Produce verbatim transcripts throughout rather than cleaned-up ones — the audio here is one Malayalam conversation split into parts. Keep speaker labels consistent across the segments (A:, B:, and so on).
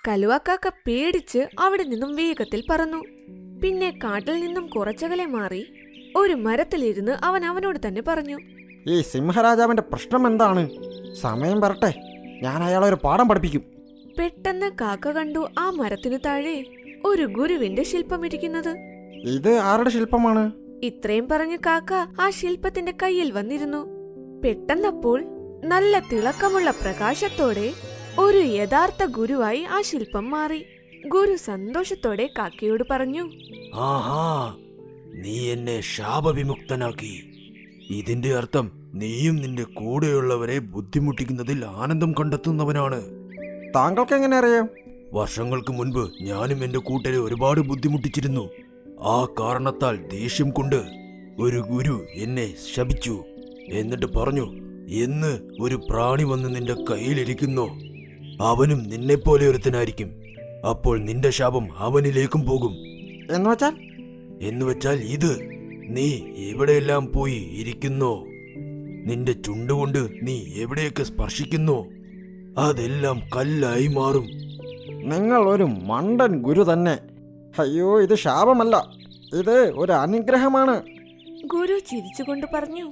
A: കലുവക്കാക്ക പേടിച്ച് അവിടെ നിന്നും വേഗത്തിൽ പറന്നു. പിന്നെ കാട്ടിൽ നിന്നും കുറച്ചകലെ മാറി ഒരു മരത്തിലിരുന്ന് അവൻ അവനോട് തന്നെ പറഞ്ഞു,
B: ഈ സിംഹരാജാവിന്റെ പ്രശ്നം എന്താണ്? സമയം വരട്ടെ, ഞാൻ അയാളെ ഒരു പാഠം പഠിപ്പിക്കും.
A: പെട്ടെന്ന് കാക്ക കണ്ടു ആ മരത്തിനു താഴെ ഒരു ഗുരുവിന്റെ ശില്പം ഇരിക്കുന്നത്.
B: ഇത് ആരുടെ ശില്പമാണ്?
A: ഇത്രയും പറഞ്ഞ് കാക്ക ആ ശില്പത്തിന്റെ കയ്യിൽ വന്നിരുന്നു. പെട്ടെന്നപ്പോൾ നല്ല തിളക്കമുള്ള പ്രകാശത്തോടെ ഒരു യഥാർത്ഥ ഗുരുവായി ആ ശില്പം മാറി. ഗുരു സന്തോഷത്തോടെ കാക്കയോട് പറഞ്ഞു,
C: ആഹാ, നീ എന്നെ ശാപവിമുക്തനാക്കി. ഇതിന്റെ അർത്ഥം നീയും നിന്റെ കൂടെയുള്ളവരെ ബുദ്ധിമുട്ടിക്കുന്നതിൽ ആനന്ദം കണ്ടെത്തുന്നവനാണ്.
B: താങ്കൾക്ക് എങ്ങനെ അറിയാം?
C: വർഷങ്ങൾക്ക് മുൻപ് ഞാനും എന്റെ കൂട്ടരെ ഒരുപാട് ബുദ്ധിമുട്ടിച്ചിരുന്നു. ആ കാരണത്താൽ ദേഷ്യം കൊണ്ട് ഒരു ഗുരു എന്നെ ശപിച്ചു. എന്നിട്ട് പറഞ്ഞു, എന്ന് ഒരു പ്രാണി വന്ന് നിന്റെ കയ്യിലിരിക്കുന്നോ അവനും നിന്നെപ്പോലെ ഒരുത്തനായിരിക്കും. അപ്പോൾ നിന്റെ ശാപം അവനിലേക്കും പോകും.
B: എന്നുവെച്ചാൽ
C: എന്നുവെച്ചാൽ ഇത്, നീ എവിടെയെല്ലാം പോയി ഇരിക്കുന്നോ, നിന്റെ ചുണ്ടുകൊണ്ട് നീ എവിടെയൊക്കെ സ്പർശിക്കുന്നോ അതെല്ലാം കല്ലായി മാറും.
B: നിങ്ങൾ ഒരു മണ്ടൻ ഗുരു തന്നെ. അയ്യോ, ഇത് ശാപമല്ല, ഇത് ഒരു അനുഗ്രഹമാണ്.
A: ഗുരു ചിരിച്ചുകൊണ്ട് പറഞ്ഞു,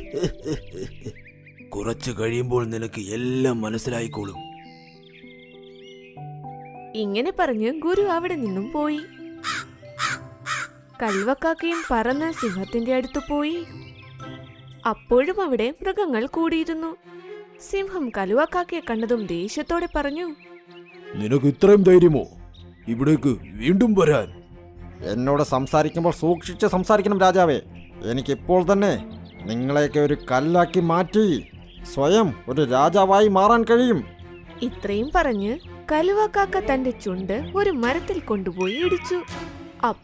C: കുറച്ചു കഴിയുമ്പോൾ നിനക്ക് എല്ലാം മനസ്സിലായിക്കോളും.
A: ഇങ്ങനെ പറഞ്ഞ് ഗുരു അവിടെ നിന്നും പോയി. കൽവക്കാക്കയും പറന്ന് സിംഹത്തിന്റെ അടുത്ത് പോയി. അപ്പോഴും അവിടെ മൃഗങ്ങൾ കൂടിയിരുന്നു. സിംഹം കലുവക്കാക്കയെ കണ്ടതും ദേഷ്യത്തോടെ പറഞ്ഞു,
C: നിനക്ക് ഇത്രയും ധൈര്യമോ ഇവിടേക്ക് വീണ്ടും വരാൻ?
B: എന്നോട് സംസാരിക്കുമ്പോൾ സൂക്ഷിച്ച് സംസാരിക്കണം രാജാവേ. എനിക്കിപ്പോൾ തന്നെ നിങ്ങളെയൊക്കെ ഒരു കല്ലാക്കി മാറ്റി സ്വയം ഒരു രാജാവായി മാറാൻ കഴിയും.
A: ഇത്രയും പറഞ്ഞ് കലുവക്കാക്ക തന്റെ ചുണ്ട് ഒരു മരത്തിൽ കൊണ്ടുപോയി ഇടിച്ചു.